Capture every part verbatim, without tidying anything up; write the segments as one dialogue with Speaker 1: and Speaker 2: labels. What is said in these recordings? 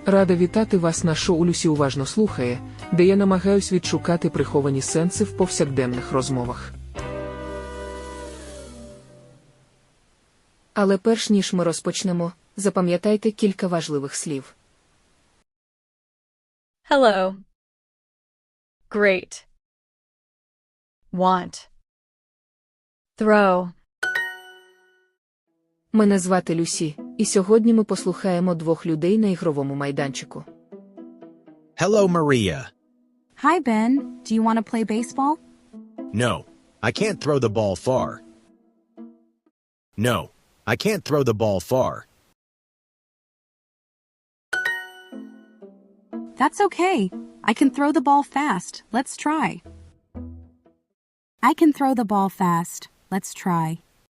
Speaker 1: Рада вітати вас на шоу «Люсі уважно слухає», де я намагаюсь відшукати приховані сенси в повсякденних розмовах.
Speaker 2: Але перш ніж ми розпочнемо, запам'ятайте кілька важливих слів.
Speaker 3: Hello. Great. Want. Throw.
Speaker 2: Мене звати Люсі, і сьогодні ми послухаємо двох людей на ігровому майданчику.
Speaker 4: Hello, Maria.
Speaker 5: Hi, Ben. Do you want to play baseball?
Speaker 4: No, I can't throw the ball far. No, I can't throw the ball far.
Speaker 5: That's okay. I can throw the ball fast. Let's try. I can throw the ball fast. Let's try.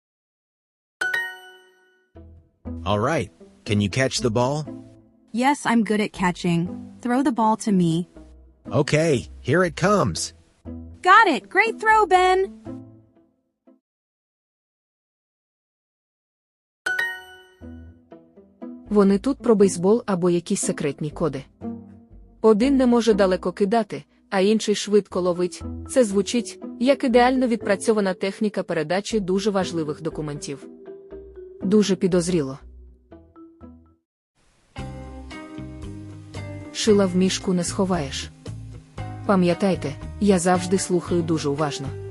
Speaker 4: All right, can you catch the ball?
Speaker 5: Yes, I'm good at catching. Throw the ball to me.
Speaker 4: Okay, here it comes.
Speaker 5: Got it! Great throw, Ben!
Speaker 2: Вони тут про бейсбол або якісь секретні коди. Один не може далеко кидати, а інший швидко ловить. Це звучить, як ідеально відпрацьована техніка передачі дуже важливих документів. Дуже підозріло. Шила в мішку не сховаєш. Пам'ятайте, я завжди слухаю дуже уважно.